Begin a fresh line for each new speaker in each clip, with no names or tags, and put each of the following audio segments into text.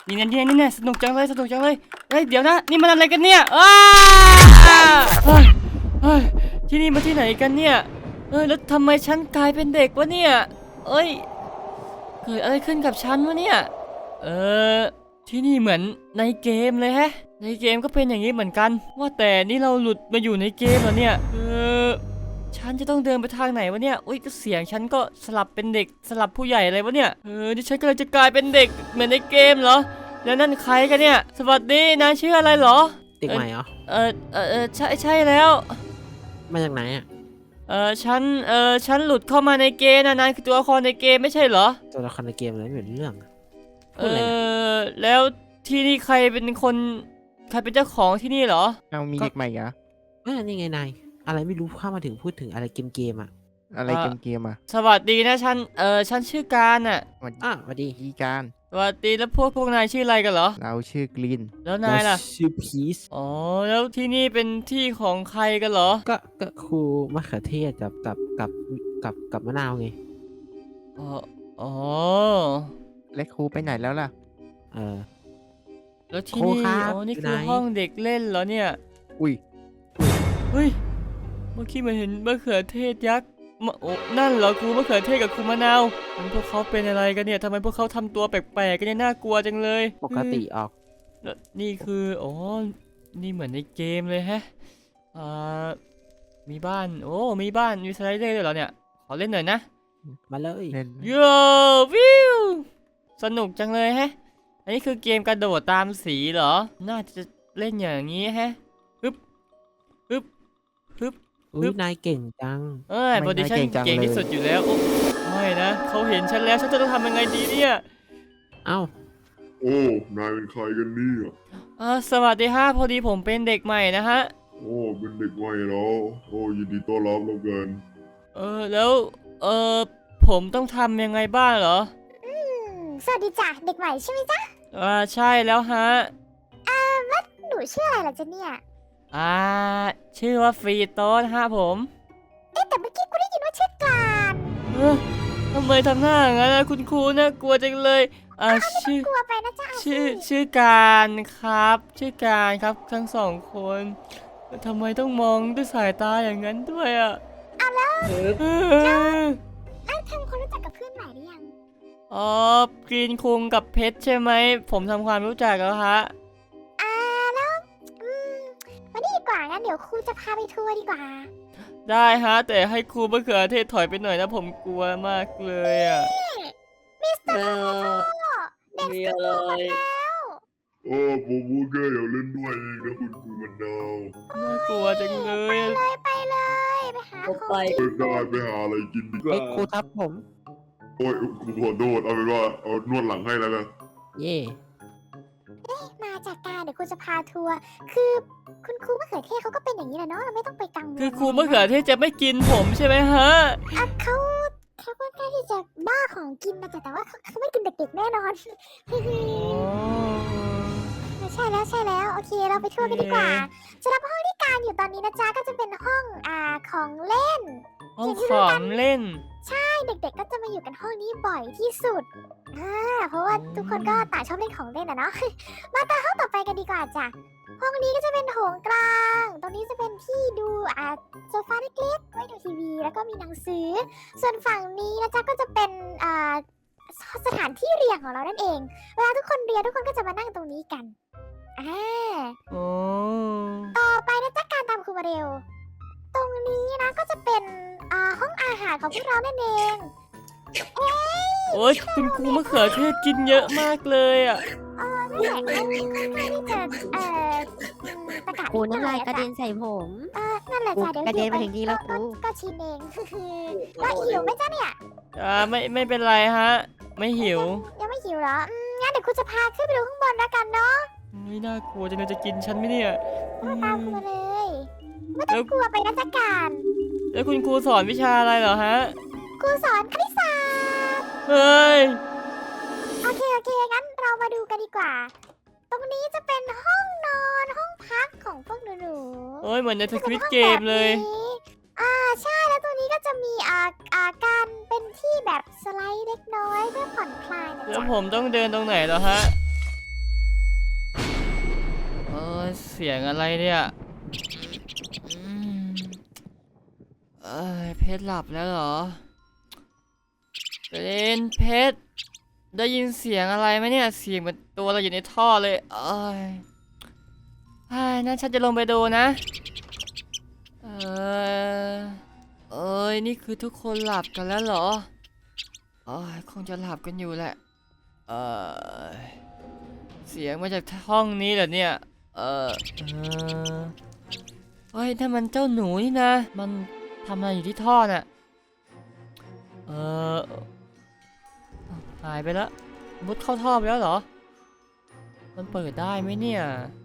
นี่สนุกจังเลยเฮ้ยเดี๋ยวนะนี่มันอะไรกันเนี่ยเฮ้ยที่นี่มาที่ไหนกันเนี่ยแล้วทำไมฉันกลายเป็นเด็กวะเนี่ยเอ้ยเกิดอะไรขึ้นกับฉันวะเนี่ยที่นี่เหมือนในเกมเลยแฮะในเกมก็เป็นอย่างนี้เหมือนกันว่าแต่นี่เราหลุดมาอยู่ในเกมแล้วเนี่ยฉันจะต้องเดินไปทางไหนวะเนี่ยอุ้ยเสียงฉันก็สลับเป็นเด็กสลับผู้ใหญ่อะไรวะเนี่ยนี่ฉันกำลังจะกลายเป็นเด็กเหมือนในเกมเหรอแล้วนั่นใครกันเนี่ยสวัสดีนายชื่ออะไรเหรอ
เด็กใหม่เหรอ
ใช่แล้ว
มาจากไหนอ่ะ
ฉันหลุดเข้ามาในเกมนะนายคือตัวละครในเกมไม่ใช่เหรอ
ตัวละครในเกมอะไรไม่เป็นเรื่อง
แล้วที่นี่ใครเป็นเจ้าของที่นี่เหรอ
เอามีเด็กใหม่เหรอ
นี่ไงนายอะไรไม่รู้เข้ามาถึงพูดถึงอะไรเกมอ่ะ
อะไรเกมอ่ะ
สวัสดีนะฉันชื่อการอ่ะ
สวัสดี
การ
สวัสดีแล้วพวกนายชื่ออะไรกันเหรอ
เราชื่อกรีน
แล้วนายล่ะ
ชื่อพีซ
อ๋อแล้วที่นี่เป็นที่ของใครกันเหรอ
ก็ครูมะเขือเทศกับมะนาวไง
อ๋อ
และครูไปไหนแล้วล่ะ
แล้วที่นี่นี่คือห้องเด็กเล่นเหรอเนี่ย
อุ้ย
เฮ้ยเมื่อกี้มันเห็นมะเขือเทศยักษ์นั่นเหรอครูมะเขือเทศกับครูมะนาวพวกเขาเป็นอะไรกันเนี่ยทำไมพวกเขาทำตัวแปลกๆกันเนี่ยน่ากลัวจังเลย
ปกติออก
แล้วนี่คือนี่เหมือนในเกมเลยแฮะมีบ้านมีสไลเดอร์ด้วยเหรอเนี่ยขอเล่นหน่อยนะ
มาเลย
โย่วิวสนุกจังเลยแฮะอันนี้คือเกมกระโดดตามสีเหรอน่าจะเล่นอย่างนี้แฮะฮึบ
นายเก่งจัง
พอดีฉันเก่งที่สุดอยู่แล้วไม่นะเขาเห็นฉันแล้วฉันจะต้องทำยังไงดีเนี่ย
เอ้
นายเป็นใครกันเนี่ย
สวัสดีฮะพอดีผมเป็นเด็กใหม่นะฮะ
เป็นเด็กใหม่แล้วยินดีต้อนรับแล้วกัน
แล้วผมต้องทำยังไงบ้างเหรอ
สวัสดีจ้ะเด็กใหม่ใช่ไหมจ๊ะ
ใช่แล้วฮะ
แล้วหนูชื่ออะไรล่ะจ๊ะเนี่ย
ชื่อว่าฟรีโต้ฮะผม
แต่เมื่อกี้กูได้ยินว่าชื่อกลาน
ทำไมทำหน้าอย่างนั้นนะคุณครูน่ากลัวจังเลย
กลัวไปนะจ๊ะ
ชื่อการครับชื่อการครับทั้งสองคนทำไมต้องมองด้วยสายตาอย่างนั้นด้วย
แล้วทำความรู้จักกับเพื่อนใหม่หรือยัง
กรีนคุงกับเพชรใช่ไหมผมทำความรู้จักแล้วฮะ
แล้ววันนี้ดีกว่างั้นเดี๋ยวครูจะพาไปทัวร์ดีกว่า
ได้ฮะแต่ให้ครูมะเขือเทศถอยไปหน่อยนะผมกลัวมากเลย
มิสเตอร์เด็กสนุกแล้ว
ผมแค่อยากเล่นด้วยเองนะคุณครูมะนาว
น่ากลัวจังเลย
ไปเลยไปหาของ
ได้ไปหาอะไรกินดีกว่า
ครูทับผม
ครูขอโทษเอาเป็นว่าเอานวดหลังให้แล้วกัน
มาจากการเดี๋ยวครูจะพาทัวร์คือคุณครูมะเขือเทศเขาก็เป็นอย่างนี้แหละเนาะเราไม่ต้องไปกังวล
คือครูมะเขือเทศจะไม่กินผมใช่ไหมฮะ
เขาก็น่าที่จะบ้าของกินนะแต่ว่าเขาไม่กินเด็กๆแน่นอนใช่แล้วโอเคเราไปทัวร์กันดีกว่าสำหรับห้องที่การอยู่ตอนนี้นะจ๊ะก็จะเป็นห้องของเล่น
ของเล่น
ใช่เด็กๆก็จะมาอยู่กันห้องนี้บ่อยที่สุดเพราะว่าทุกคนก็ต่างชอบเล่นของเล่นเนาะมาตาห้องต่อไปกันดีกว่าจ้ะห้องนี้ก็จะเป็นโถงกลางตรงนี้จะเป็นที่ดูโซฟาเล็กๆไว้ดูทีวีแล้วก็มีหนังสือส่วนฝั่งนี้นะจ๊ะก็จะเป็นสถานที่เรียนของเรานั่นเองเวลาทุกคนเรียนทุกคนก็จะมานั่งตรงนี้กันต่อไปนะจ๊ะการตามครูมาเร็วตรงนี้นะก็จะเป็นห้องอาหารของพวกเรานั่นเอง
โอ๊ยคุณครูมะเขือเทศกินเยอะมากเลย
นั่นแหละที่จะประกาศ
ครูน้ำลายกระเด็นใส่ผม
นั่นแหละจ้ะเดี๋ยว
กระเด็นมาถึงนี่แล้วครู
ก็ชินเองแล้วหิวไหมจ๊ะเนี่ย
ไม่เป็นไรฮะไม่หิว
ยังไม่หิวเหรองั้นเดี๋ยวครูจะพาขึ้นไปดูข้างบนแล้วกันเนาะ
ไม่น่ากลัวจังเลยจะกินฉันไหมเนี่ย
ตามครูมาเลยไม่ต้องกลัวไปนะจ๊ะการ
แล้วคุณครูสอนวิชาอะไรเหรอฮะ
ครูสอนคณิตศาสตร์
เฮ้ย
โอเคงั้นเรามาดูกันดีกว่าตรงนี้จะเป็นห้องนอนห้องพักของพวกหนู
โอ้ยเหมือนในสควิดเกมเลย
ใช่แล้วตัวนี้ก็จะมีการเป็นที่แบบสไลด์เล็กน้อยเพื่อผ่อนคลายนะจ๊ะ
แล้วผมต้องเดินตรงไหนเหรอฮะเสียงอะไรเนี่ยอืมเพชรหลับแล้วเหรอเพชรได้ยินเสียงอะไรไหมเนี่ยเสียงเหมือนตัวเราอยู่ในท่อเลยนั่นฉันจะลงไปดูนะนี่คือทุกคนหลับกันแล้วเหรอคงจะหลับกันอยู่แหละเสียงมาจากห้องนี้เหรอเนี่ยถ้ามันเจ้าหนูนี่นะมันทำอะไรอยู่ที่ท่อน่ะหายไปแล้วมุดเข้าท่อไปแล้วเหรอมันเปิดได้ไหมเนี่ย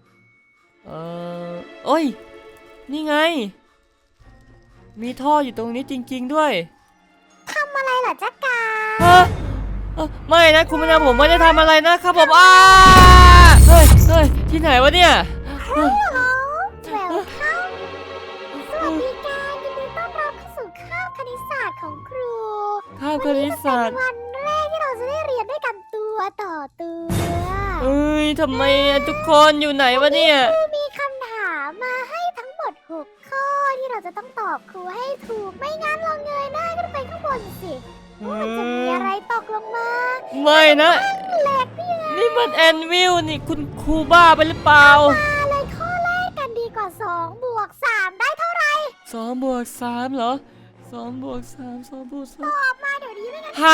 นี่ไงมีท่ออยู่ตรงนี้จริงๆด้วย
อะไรเหรอจ๊ะกา
ไม่นะคุณมะนาวผมไม่ได้ทำอะไรนะครับผมเฮ้ยที่ไหนวะเนี่ย
แววเข้าสวัสดีการยินดีต้อนรับเข้าสู่คาบคณิตศาสตร์ของครู
คาบคณิตศาสตร์
วันแรกที่เราจะได้เรียนด้วยกันตัวต่อตัว
ทำไมทุกคนอยู่ไหนวะเนี่ย
ครูมีคำถามมาให้ทั้งหมด6ข้อที่เราจะต้องตอบครูให้ถูกไม่งั้นเราเงยหน้าขึ้นไปข้างบนสิมันจะมีอะไรตกลงมา
ไม่นะ
แหลกนี่ไง
นี่มันแอนวิลนี่คุณครูบ้าไปหรือเปล่า
มาเลยข้อแรกกันดีกว่า2 บวก 3ได้เท่าไหร่
2 บวก 3เหรอ2 บวก 3 2 บวก
ตอบมาเดี๋ยวนี้ไม่งั้น
3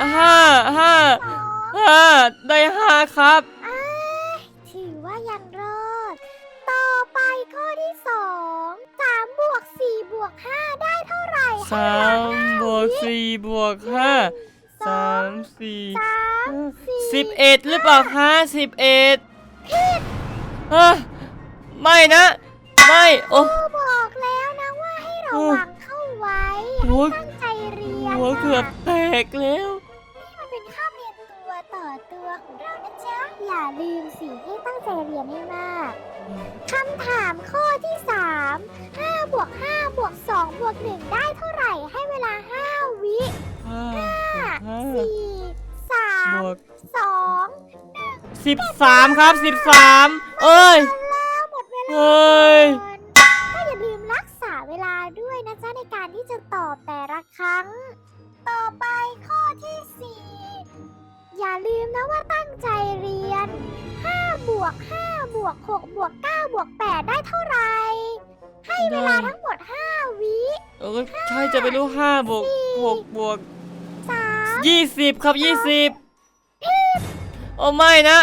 5 ได้5ครับ
ถือว่ายังรอด ต่อไปข้อที่2 3 บวก 4 บวก 5 ได้เท่าไหร่
3 บวก 4 บวก 5 3 4 11หรือเปล่าคะ11ไม่นะ ไม่โอ้
ครูบอกแล้วนะว่าให้ระวังเข้าไว้
โอ้
ให้ตั้งใจเรียน
หัวเกือบแตกแล้ว
นี่มันเป็นคาบเรียนตัวต่อตัวของเรานะจ๊ะ อย่าลืมสิให้ตั้งใจเรียนให้มาก คำถามข้อที่ 3 5 บวก 5 บวก 2 บวก 1 ได้เท่าไหร่ ให้เวลา 5 วิ
5
4
บวก
3 2
13ครับ13
แล้วหมดเวลา
เอ้ย
ก็อย่าลืมรักษาเวลาด้วยนะจ๊ะในการที่จะตอบแต่ละครั้ง ต่อไปข้อที่ 4 อย่าลืมนะว่าตั้งใจเรียน 5 บวก 5 บวก 6 บวก 9 บวก 8 ได้เท่าไหร่ ให้เวลาทั้งหมด 5 วิ
ใช่จะไปรู้5 บวก 6 บวก
3
20 ครับ 20 โอ้ไม่นะ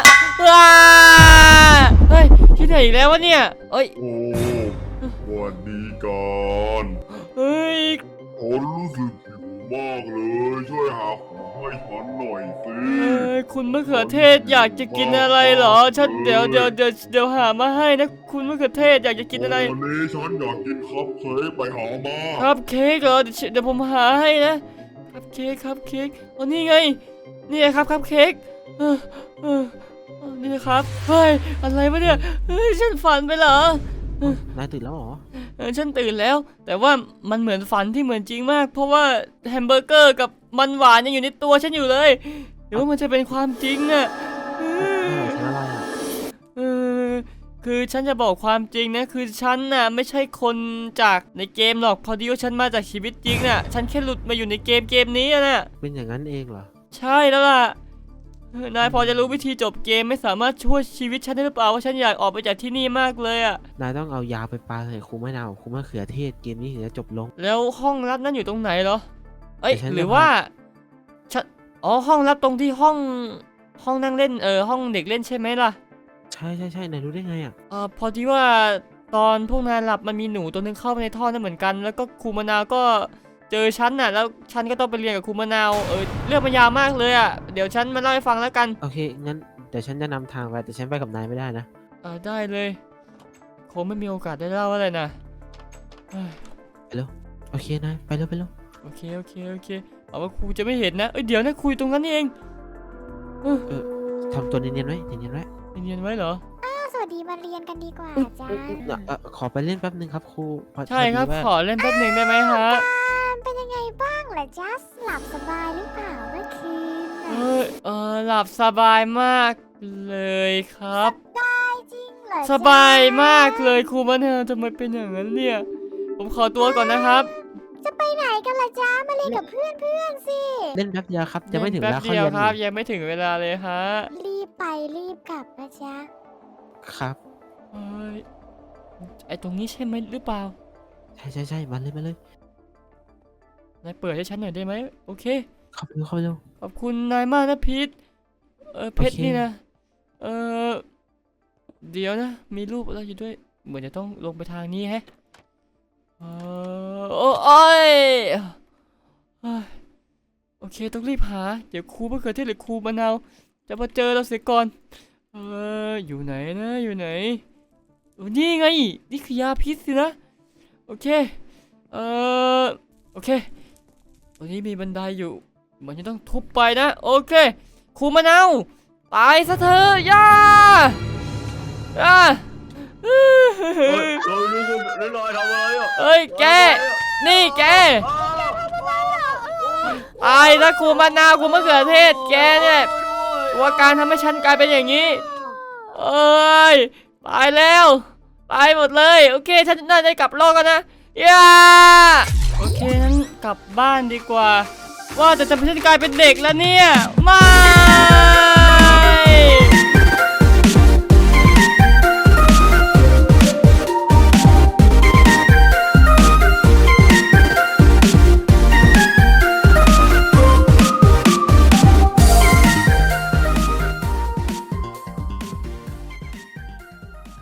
เฮ้ยที่ไหนอีกแล้ววะเนี่ย
โอ้วันนี้ก่อน
เฮ้ย
ผมรู้สึกหิวมากเลยช่วยหาของให้ฉันหน่อยสิ
คุณมะเขือเทศอยากจะกินอะไรเหรอฉันเดี๋ยวหามาให้นะคุณมะเขือเทศอยากจะกินอะไร
วันนี้ฉันอยากกินคัพเค้กไปหามา
ครับเค้กเหรอเดี๋ยวผมหาให้นะครับเค้กอ๋อนี่ไงนี่ครับเค้กนี่นะครับเฮ้ยอะไรวะเนี่ยเฮ้ยฉันฝันไปเหรอน
ายตื่นแล้วเหรอ
ฉันตื่นแล้ว แต่ว่ามันเหมือนฝันที่เหมือนจริงมาก เพราะว่าแฮมเบอร์เกอร์กับมันหวานยังอยู่ในตัวฉันอยู่เลยหรือว่ามันจะเป็นความจริงอะ
ไม่หรอกฉันอะไรอ่ะ
คือฉันจะบอกความจริงนะคือฉันน่ะไม่ใช่คนจากในเกมหรอกพอดีว่าฉันมาจากชีวิตจริงน่ะฉันแค่หลุดมาอยู่ในเกมนี้น่ะ
เป็นอย่างนั้นเองเหรอ
ใช่แล้วล่ะนายพอจะรู้วิธีจบเกมไม่สามารถช่วยชีวิตฉันได้หรือเปล่าว่าฉันอยากออกไปจากที่นี่มากเลยอะ
นายต้องเอายาไปปาใส่ครูมะนาวครูมะเขือเทศเกมนี้ถึงจะจบลง
แล้วห้องลับนั้นอยู่ตรงไหนเหรอ
แต่ฉัน
หรือว่าฉันห้องลับตรงที่ห้องนั่งเล่นห้องเด็กเล่นใช่ไหมล่ะ
ใช่นายรู้ได้ไงอ่ะ
พอดีว่าตอนพวกนายหลับมันมีหนูตัวนึงเข้าไปในท่อนั่นเหมือนกัน แล้วก็ครูมะนาวก็เจอฉันน่ะแล้วฉันก็ต้องไปเรียนกับครูมะนาวเรื่องมันยาวมากเลยอ่ะเดี๋ยวฉันมาเล่าให้ฟังแล้วกัน
โอเคงั้นเดี๋ยวฉันจะนำทางไปแต่ฉันไปกับนายไม่ได้นะ
ได้เลยคงไม่มีโอกาสได้เล่าอะไรนะเฮ้ย
โอเคนายไปเร็ว
โอเคเอาว่าครูจะไม่เห็นนะเดี๋ยวนะคุยตรงนั้นนี่เอง
ทำตัวเนียนๆไว้เนียนๆไว้
เนียนไว้เหรอ
สวัสดีมาเรียนกันดีกว่าจ้า
ขอไปเล่นแป๊บนึงครับครู
ใช่ครับ
พอดีว่า
ขอเล่นแป๊บหนึ่งได้ไหมฮะ
เป็นยังไงบ้างล่ะจ๊ะหลับสบายหรือเปล่าเมื่อคืนน่ะ
หลับสบายมากเลยครับ
ได้จริงเหรเหรอ
สบายมากเลยครูมะนาวทำไมเป็นอย่างนั้นเนี่ย ผมขอตัวก่อนนะครับ
จะไปไหนกันล่ะจ๊ะมาเล่นกับเพื่อนสิ
เล่นแป๊บเดียวครับจะไม่ถึงเว
แป๊
ลา
บ
เข้า
เดียว
เรียน
ครับ
นี่
ยังไม่ถึงเวลาเลยฮะ
รีบไปรีบกลับนะจ๊ะ
ครับ
เฮ้ยไอตรงนี้ใช่ไหมหรือเปล่า
ใช่มาเลย
นายเปิดให้ฉันหน่อยได้ไหมโอเค
เข้าไปเร็ว
ขอบคุณนายมากนะพีทเพชร
โอเค
นี่นะเดี๋ยวนะมีรูปอะไรอยู่ด้วยเหมือนจะต้องลงไปทางนี้แฮะโอ้ยเอ้ยโอเคต้องรีบหาเดี๋ยวครูมะเขือเทศหรือครูมะนาวจะมาเจอเราเสียก่อนอยู่ไหนนะอยู่ไหนนี่ไงนี่คือยาพิษสินะโอเคโอเคตรงนี้มีบันไดอยู่เหมือนจะต้องทุบไปนะโอเคครูมะนาวตายซะเถอะย่า
เฮ้ยนี่ลอยทำอะไรอ่ะ
เอ้ยแกนี่แกตายนะครูมะนาวครูมะเขือเทศแกเนี่ยว่าการทำให้ฉันกลายเป็นอย่างนี้เอ้ยตายแล้วตายหมดเลยโอเคฉันน่าจะกลับโลกกันนะย่าโอเคงั้นกลับบ้านดีกว่าว่าแต่จะฉันกลายเป็นเด็กแล้วเนี่ยไม่